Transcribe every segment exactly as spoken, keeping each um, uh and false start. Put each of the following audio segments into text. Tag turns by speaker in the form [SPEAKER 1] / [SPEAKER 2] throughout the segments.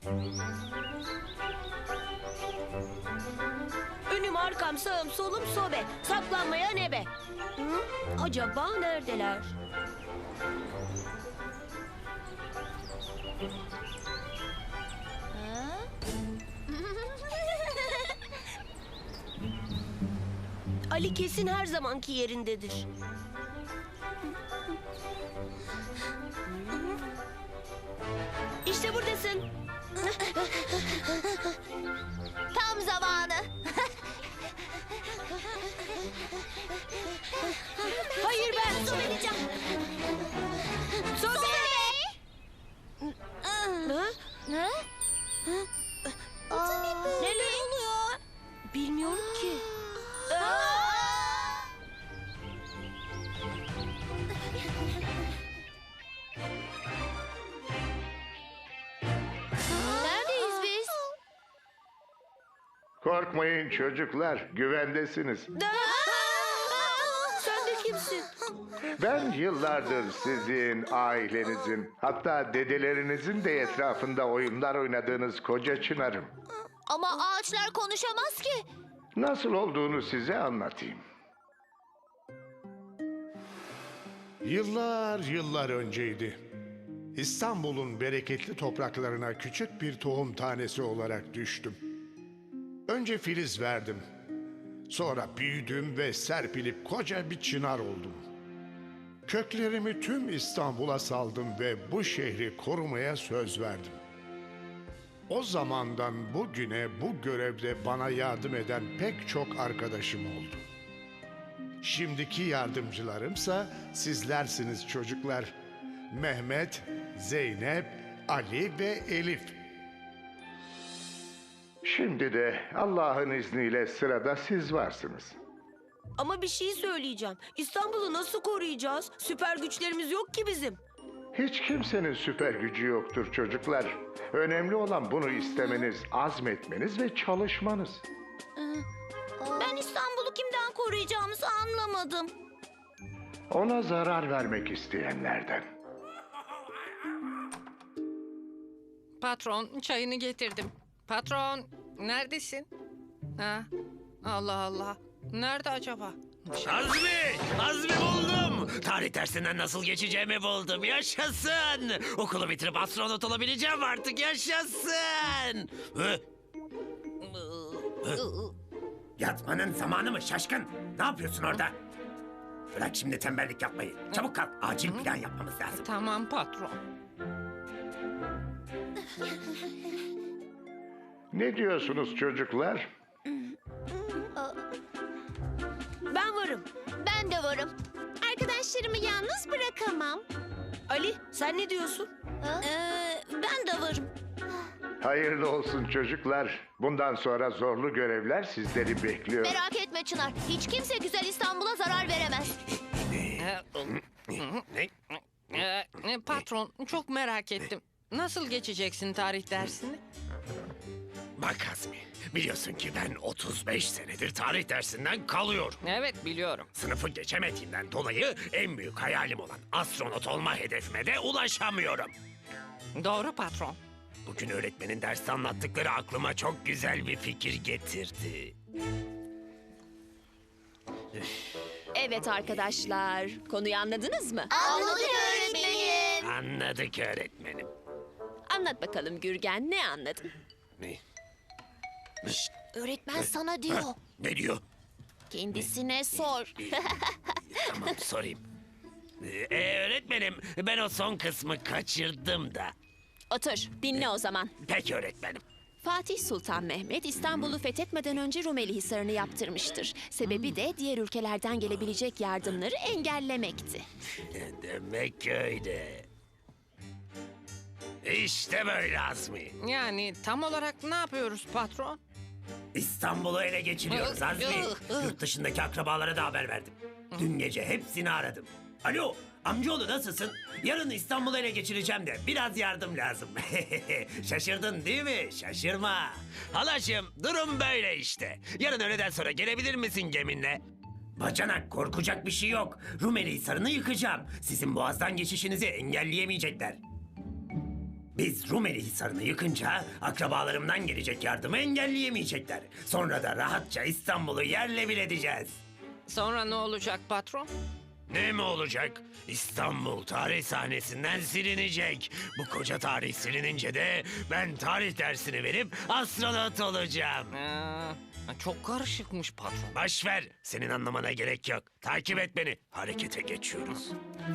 [SPEAKER 1] Önüm arkam sağım solum sobe. Saklanmaya nebe. Hı? Acaba neredeler? Ali kesin her zamanki yerindedir. İşte buradasın.
[SPEAKER 2] Tam zamanı.
[SPEAKER 1] Hayır ben.
[SPEAKER 2] Söyleyeceğim.
[SPEAKER 1] Sobe. Ha?
[SPEAKER 2] Ne? Neler oluyor?
[SPEAKER 1] Bilmiyorum ki.
[SPEAKER 2] Neredeyiz biz?
[SPEAKER 3] Korkmayın çocuklar, güvendesiniz.
[SPEAKER 1] Sen de kimsin?
[SPEAKER 3] Ben yıllardır sizin, ailenizin, hatta dedelerinizin de etrafında oyunlar oynadığınız koca çınarım.
[SPEAKER 2] Ama ağaçlar konuşamaz ki.
[SPEAKER 3] Nasıl olduğunu size anlatayım.
[SPEAKER 4] Yıllar yıllar önceydi. İstanbul'un bereketli topraklarına küçük bir tohum tanesi olarak düştüm. Önce filiz verdim. Sonra büyüdüm ve serpilip koca bir çınar oldum. Köklerimi tüm İstanbul'a saldım ve bu şehri korumaya söz verdim. O zamandan bugüne bu görevde bana yardım eden pek çok arkadaşım oldu. Şimdiki yardımcılarımsa sizlersiniz çocuklar. Mehmet, Zeynep, Ali ve Elif.
[SPEAKER 3] Şimdi de Allah'ın izniyle sırada siz varsınız.
[SPEAKER 1] Ama bir şey söyleyeceğim. İstanbul'u nasıl koruyacağız? Süper güçlerimiz yok ki bizim.
[SPEAKER 3] Hiç kimsenin süper gücü yoktur çocuklar. Önemli olan bunu istemeniz, azmetmeniz ve çalışmanız.
[SPEAKER 2] Ben İstanbul'u kimden koruyacağımızı anlamadım.
[SPEAKER 3] Ona zarar vermek isteyenlerden.
[SPEAKER 5] Patron, çayını getirdim. Patron, neredesin? Ha? Allah Allah. Nerede acaba?
[SPEAKER 6] Azmi! Azmi buldum! Tarih dersinden nasıl geçeceğimi buldum. Yaşasın! Okulu bitirip astronot olabileceğim artık. Yaşasın! Hı? Hı? Yatmanın zamanı mı şaşkın? Ne yapıyorsun orada? Bırak şimdi tembellik yapmayı. Çabuk kalk. Acil plan yapmamız lazım.
[SPEAKER 5] Tamam patron.
[SPEAKER 3] Ne diyorsunuz çocuklar?
[SPEAKER 1] Ben varım.
[SPEAKER 2] Ben de varım. Arkadaşlarımı yalnız bırakamam.
[SPEAKER 1] Ali sen ne diyorsun?
[SPEAKER 2] Ee, ben de varım.
[SPEAKER 3] Hayırlı olsun çocuklar. Bundan sonra zorlu görevler sizleri bekliyor.
[SPEAKER 2] Merak etme Çınar. Hiç kimse güzel İstanbul'a zarar veremez.
[SPEAKER 6] Ne?
[SPEAKER 5] Ee, e, patron, çok merak ettim. Nasıl geçeceksin tarih dersini?
[SPEAKER 6] Bak Azmi, biliyorsun ki ben otuz beş senedir tarih dersinden kalıyorum.
[SPEAKER 5] Evet, biliyorum.
[SPEAKER 6] Sınıfı geçemediğimden dolayı en büyük hayalim olan astronot olma hedefime de ulaşamıyorum.
[SPEAKER 5] Doğru patron.
[SPEAKER 6] Bugün öğretmenin derste anlattıkları aklıma çok güzel bir fikir getirdi.
[SPEAKER 7] Evet arkadaşlar, konuyu anladınız mı?
[SPEAKER 2] Anladık öğretmenim.
[SPEAKER 6] Anladık öğretmenim.
[SPEAKER 7] Anlat bakalım Gürgen, ne anladın?
[SPEAKER 6] Ne?
[SPEAKER 2] Öğretmen sana diyor.
[SPEAKER 6] Ne diyor?
[SPEAKER 2] Kendisine sor.
[SPEAKER 6] Tamam sorayım. Ee, öğretmenim ben o son kısmı kaçırdım da.
[SPEAKER 7] Otur, dinle o zaman.
[SPEAKER 6] Peki öğretmenim.
[SPEAKER 7] Fatih Sultan Mehmet İstanbul'u fethetmeden önce Rumeli Hisarı'nı yaptırmıştır. Sebebi de diğer ülkelerden gelebilecek yardımları engellemekti.
[SPEAKER 6] Demek öyle. İşte böyle Azmi.
[SPEAKER 5] Yani tam olarak ne yapıyoruz patron?
[SPEAKER 6] İstanbul'u ele geçiriyoruz Azmi. Yurt dışındaki akrabalara da haber verdim. Dün gece hepsini aradım. Alo, amcaoğlu nasılsın? Yarın İstanbul'u ele geçireceğim de biraz yardım lazım. Şaşırdın değil mi? Şaşırma. Halaşım, durum böyle işte. Yarın öğleden sonra gelebilir misin geminle? Bacanak, korkacak bir şey yok. Rumeli Hisarı'nı yıkacağım. Sizin boğazdan geçişinizi engelleyemeyecekler. Biz Rumeli Hisarı'nı yıkınca akrabalarımdan gelecek yardımı engelleyemeyecekler. Sonra da rahatça İstanbul'u yerle bir edeceğiz.
[SPEAKER 5] Sonra ne olacak patron?
[SPEAKER 6] Ne mi olacak? İstanbul tarih sahnesinden silinecek. Bu koca tarih silinince de ben tarih dersini verip astronot olacağım.
[SPEAKER 5] Ee, çok karışıkmış patron.
[SPEAKER 6] Baş ver. Senin anlamana gerek yok. Takip et beni. Harekete geçiyoruz.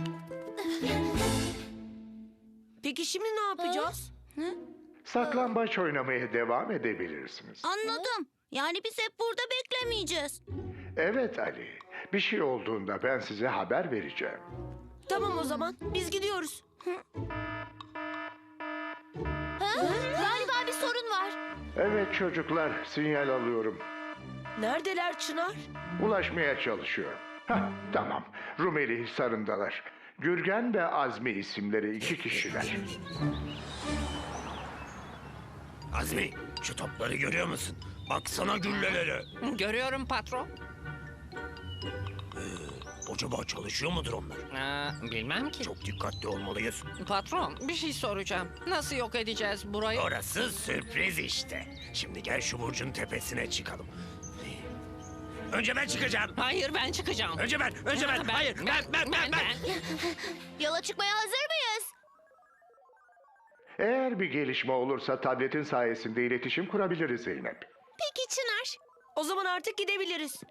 [SPEAKER 1] Peki şimdi ne yapacağız?
[SPEAKER 3] Saklambaç oynamaya devam edebilirsiniz.
[SPEAKER 2] Anladım. Yani biz hep burada beklemeyeceğiz.
[SPEAKER 3] Evet Ali, bir şey olduğunda ben size haber vereceğim.
[SPEAKER 1] Tamam o zaman biz gidiyoruz.
[SPEAKER 2] Galiba bir sorun var.
[SPEAKER 3] Evet çocuklar, sinyal alıyorum.
[SPEAKER 1] Neredeler Çınar?
[SPEAKER 3] Ulaşmaya çalışıyorum. Hah, tamam. Rumeli Hisarı'ndalar. Gürgen ve Azmi isimleri iki kişiler.
[SPEAKER 6] Azmi, şu topları görüyor musun? Baksana güllelere.
[SPEAKER 5] Görüyorum patron.
[SPEAKER 6] Acaba çalışıyor mudur onlar?
[SPEAKER 5] Ee, bilmem ki.
[SPEAKER 6] Çok dikkatli olmalıyız.
[SPEAKER 5] Patron bir şey soracağım. Nasıl yok edeceğiz burayı?
[SPEAKER 6] Orası sürpriz işte. Şimdi gel şu burcun tepesine çıkalım. Önce ben çıkacağım.
[SPEAKER 5] Hayır ben çıkacağım.
[SPEAKER 6] Önce ben, önce ben. Hayır, ben, ben, ben, ben.
[SPEAKER 2] Yola çıkmaya hazır mıyız?
[SPEAKER 3] Eğer bir gelişme olursa tabletin sayesinde iletişim kurabiliriz Zeynep.
[SPEAKER 2] Peki Çınar.
[SPEAKER 1] O zaman artık gidebiliriz.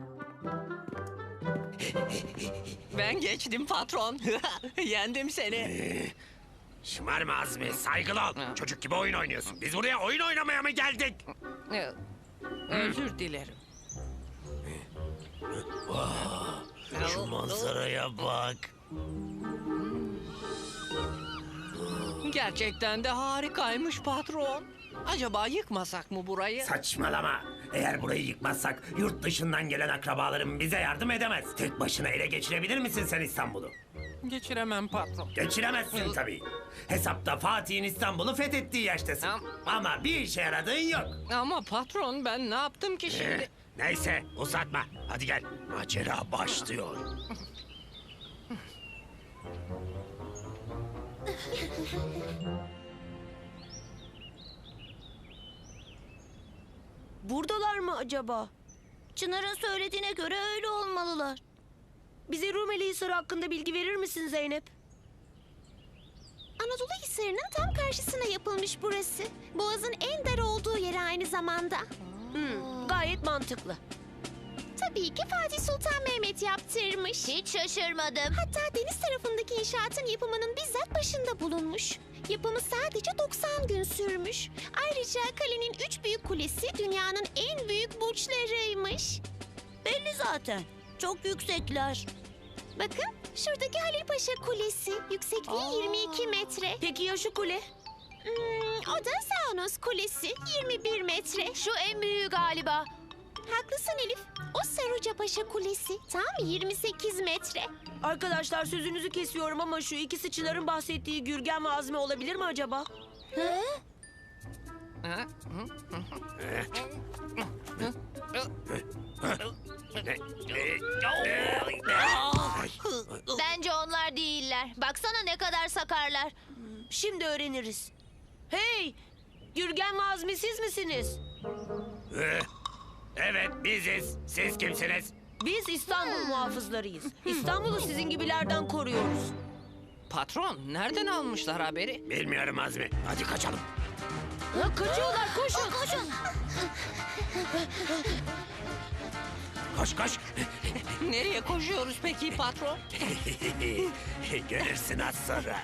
[SPEAKER 5] Ben geçtim patron. Yendim seni.
[SPEAKER 6] Şımarma Azmi, saygılı ol.
[SPEAKER 5] Ha.
[SPEAKER 6] Çocuk gibi oyun oynuyorsun. Biz buraya oyun oynamaya mı geldik?
[SPEAKER 5] Ee, Özür dilerim.
[SPEAKER 6] Şu manzaraya bak.
[SPEAKER 5] Gerçekten de harikaymış patron. Acaba yıkmasak mı burayı?
[SPEAKER 6] Saçmalama. Eğer burayı yıkmazsak yurt dışından gelen akrabalarım bize yardım edemez. Tek başına ele geçirebilir misin sen İstanbul'u?
[SPEAKER 5] Geçiremem patron.
[SPEAKER 6] Geçiremezsin tabii. Hesapta Fatih'in İstanbul'u fethettiği yaştasın.
[SPEAKER 5] Am-
[SPEAKER 6] Ama bir işe yaradığın yok.
[SPEAKER 5] Ama patron ben ne yaptım ki
[SPEAKER 6] Eh,
[SPEAKER 5] şimdi?
[SPEAKER 6] neyse uzatma. Hadi gel. Macera başlıyor.
[SPEAKER 1] Buradalar mı acaba?
[SPEAKER 2] Çınar'ın söylediğine göre öyle olmalılar.
[SPEAKER 1] Bize Rumeli Hisarı hakkında bilgi verir misin Zeynep?
[SPEAKER 2] Anadolu Hisarı'nın tam karşısına yapılmış burası. Boğazın en dar olduğu yeri aynı zamanda.
[SPEAKER 1] Hmm, gayet mantıklı.
[SPEAKER 2] Tabii ki Fatih Sultan Mehmet yaptırmış. Hiç şaşırmadım. Hatta deniz tarafındaki inşaatın yapımının bizzat başında bulunmuş. Yapımı sadece doksan gün sürmüş. Ayrıca kalenin üç büyük kulesi dünyanın en büyük burçlarıymış. Belli zaten. Çok yüksekler. Bakın şuradaki Halil Paşa Kulesi. Yüksekliği yirmi iki metre.
[SPEAKER 1] Peki ya şu kule?
[SPEAKER 2] Hmm, o da Zanos Kulesi. yirmi bir metre. Şu en büyüğü galiba. Haklısın Elif. O Saruca Paşa Kulesi tam yirmi sekiz metre.
[SPEAKER 1] Arkadaşlar sözünüzü kesiyorum ama şu ikisi Çınar'ın bahsettiği Gürgen ve Azmi olabilir mi acaba?
[SPEAKER 2] Hı?
[SPEAKER 5] Ha?
[SPEAKER 2] Bence onlar değiller. Baksana ne kadar sakarlar.
[SPEAKER 1] Şimdi öğreniriz. Hey! Gürgen ve Azmi siz misiniz?
[SPEAKER 6] Eh, Evet biziz. Siz kimsiniz?
[SPEAKER 1] Biz İstanbul muhafızlarıyız. İstanbul'u sizin gibilerden koruyoruz.
[SPEAKER 5] Patron nereden almışlar haberi?
[SPEAKER 6] Bilmiyorum Azmi. Hadi kaçalım.
[SPEAKER 1] Ha, kaçıyorlar koşun.
[SPEAKER 2] Koşun.
[SPEAKER 6] Koş koş.
[SPEAKER 5] Nereye koşuyoruz peki patron?
[SPEAKER 6] Görürsün az sonra.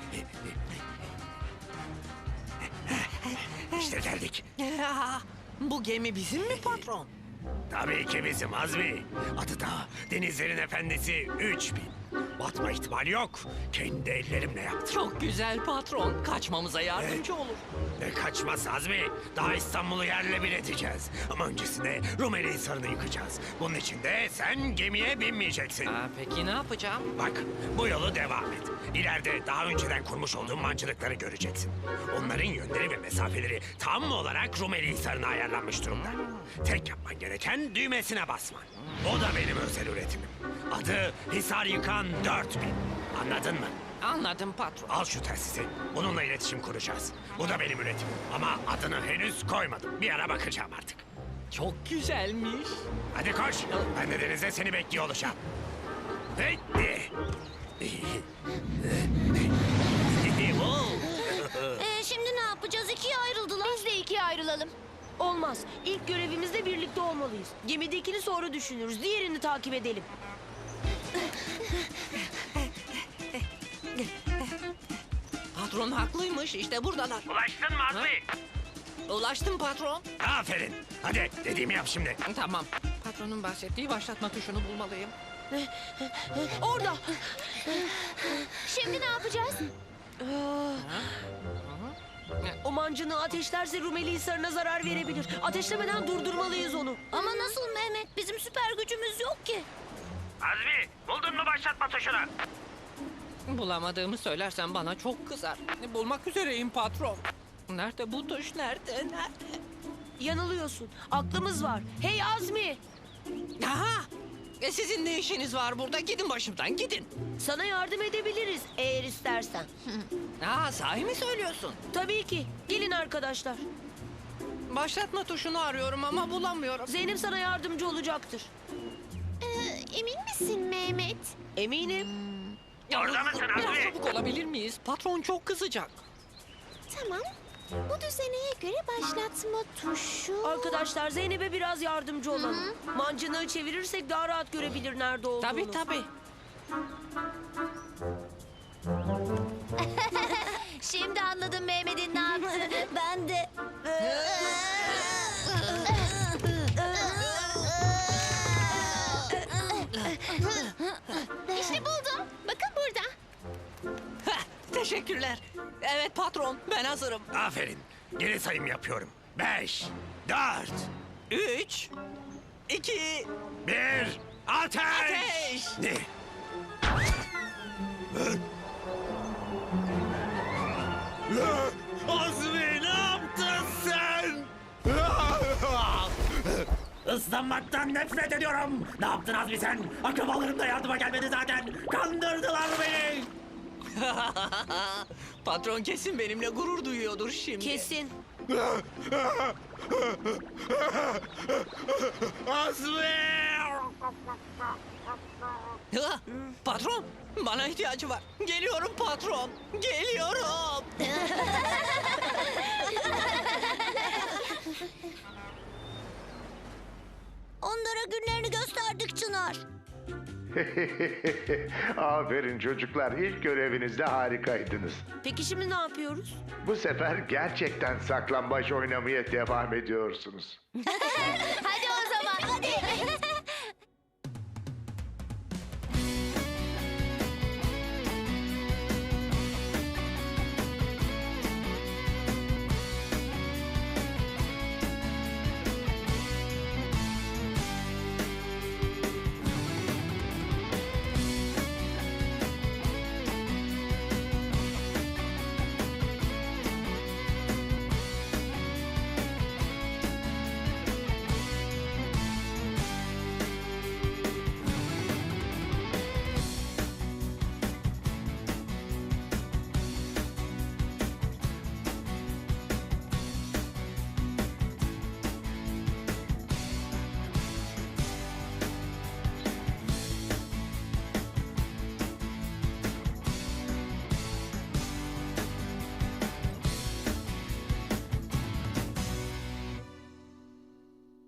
[SPEAKER 6] İşte geldik.
[SPEAKER 5] Bu gemi bizim mi patron?
[SPEAKER 6] Tabii ki bizim Azmi. Adı da Denizlerin Efendisi üç bin. Batma ihtimali yok. Kendi ellerimle yaptım.
[SPEAKER 5] Çok güzel patron. Kaçmamıza yardımcı olur.
[SPEAKER 6] Ne kaçması Azmi? Daha İstanbul'u yerle bir edeceğiz. Ama öncesinde Rumeli Hisarı'nı yıkacağız. Bunun için de sen gemiye binmeyeceksin.
[SPEAKER 5] Aa, peki ne yapacağım?
[SPEAKER 6] Bak bu yolu devam et. İleride daha önceden kurmuş olduğum mancınıkları göreceksin. Onların yönleri ve mesafeleri tam olarak Rumeli Hisarı'na ayarlanmış durumda. Tek yapman gereken düğmesine basman. O da benim özel üretimim. Adı Hisar Yıkan dört bin. Anladın mı?
[SPEAKER 5] Anladım patron.
[SPEAKER 6] Al şu telsizi. Bununla iletişim kuracağız. Bu da benim üretimim. Ama adını henüz koymadım. Bir ara bakacağım artık.
[SPEAKER 5] Çok güzelmiş.
[SPEAKER 6] Hadi koş. Ben de denizde seni bekliyor olacağım. Bekle.
[SPEAKER 2] Ee, şimdi ne yapacağız? İkiye ayrıldılar. Biz de ikiye ayrılalım.
[SPEAKER 1] Olmaz. İlk görevimizde birlikte olmalıyız. Gemidekini sonra düşünürüz. Diğerini takip edelim.
[SPEAKER 5] Patron haklıymış. İşte buradalar.
[SPEAKER 6] Ulaştın mı Azmi?
[SPEAKER 5] Ulaştım patron.
[SPEAKER 6] Aferin. Hadi dediğimi yap şimdi.
[SPEAKER 5] Tamam. Patronun bahsettiği başlatma tuşunu bulmalıyım.
[SPEAKER 1] Orada.
[SPEAKER 2] Şimdi ne yapacağız?
[SPEAKER 1] O mancını ateşlerse Rumeli Hisarı'na zarar verebilir. Ateşlemeden durdurmalıyız onu.
[SPEAKER 2] Ama nasıl Mehmet? Bizim süper gücümüz yok ki.
[SPEAKER 6] Azmi buldun mu başlatma tuşunu?
[SPEAKER 5] Bulamadığımı söylersen bana çok kızar. Bulmak üzereyim patron. Nerede bu tuş? Nerede? Nerede?
[SPEAKER 1] Yanılıyorsun. Aklımız var. Hey Azmi!
[SPEAKER 5] Aha! E sizin ne işiniz var burada? Gidin başımdan gidin.
[SPEAKER 1] Sana yardım edebiliriz eğer istersen.
[SPEAKER 5] Aa, sahi mi söylüyorsun?
[SPEAKER 1] Tabii ki. Gelin arkadaşlar.
[SPEAKER 5] Başlatma tuşunu arıyorum ama bulamıyorum.
[SPEAKER 1] Zeynep sana yardımcı olacaktır.
[SPEAKER 2] Ee, emin misin Mehmet?
[SPEAKER 1] Eminim.
[SPEAKER 6] Orada mısın
[SPEAKER 5] Biraz
[SPEAKER 6] Azmi?
[SPEAKER 5] çabuk olabilir miyiz? Patron çok kızacak.
[SPEAKER 2] Tamam. Bu düzeneye göre başlatma tuşu...
[SPEAKER 1] Arkadaşlar Zeynep'e biraz yardımcı olalım. Mancınığı çevirirsek daha rahat görebilir nerede olduğunu.
[SPEAKER 5] Tabii tabii.
[SPEAKER 2] Şimdi anladım Mehmet'in ne yaptığını. Ben de. İşte buldum. Bakın burada.
[SPEAKER 5] Heh, teşekkürler. Evet patron, ben hazırım.
[SPEAKER 6] Aferin. Geri sayım yapıyorum. Beş, dört,
[SPEAKER 5] Üç, iki,
[SPEAKER 6] bir, ateş!
[SPEAKER 5] Ateş!
[SPEAKER 6] Ne? Azmi ne yaptın sen? Islanmaktan nefret ediyorum. Ne yaptın Azmi sen? Akrabalarım da yardıma gelmedi zaten. Kandırdılar beni.
[SPEAKER 5] patron kesin benimle gurur duyuyordur şimdi.
[SPEAKER 1] Kesin.
[SPEAKER 6] Azmi!
[SPEAKER 5] Ha, patron, bana ihtiyacı var. Geliyorum patron, geliyorum.
[SPEAKER 2] Onlara günlerini gösterdik Çınar.
[SPEAKER 3] Aferin çocuklar. İlk görevinizde harikaydınız.
[SPEAKER 1] Peki şimdi ne yapıyoruz?
[SPEAKER 3] Bu sefer gerçekten saklambaç oynamaya devam ediyorsunuz.
[SPEAKER 2] Hadi